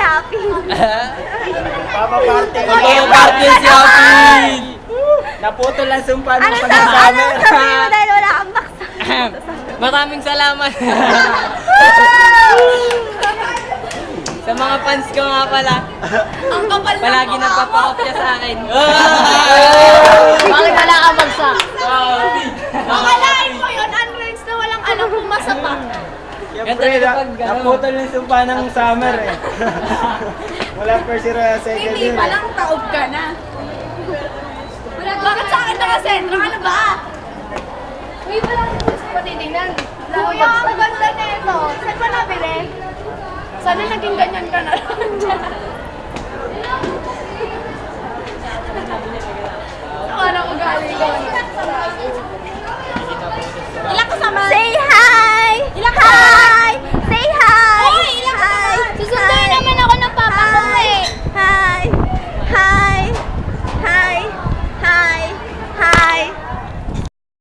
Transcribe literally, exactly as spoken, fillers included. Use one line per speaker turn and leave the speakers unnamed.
Happy.
Papaparty.
Papaparty si Happy.
Naputol ang sumpa ng
Ano sa
pag-summer.
ano sabihin mo dahil wala kang baksa?
Maraming salamat. Sa mga fans ko nga pala.
Ang kapal na
Palagi nagpapakopya sa akin.
Bakit wala kang bagsak?
Akalain mo yun, unlearns na walang alam kung masama.
Siyempre, na, naputol yung sumpa ng summer eh. Wala first year o second
Hindi
year.
pa lang taob ka na. Bakit sa akin nakasentro? Ano ba? Uy, wala ka gusto pa titignan. Kuya, ang ganda na ito. Saan ba nabili? Sana naging ganyan ka na lang dyan. Ano ugali ko?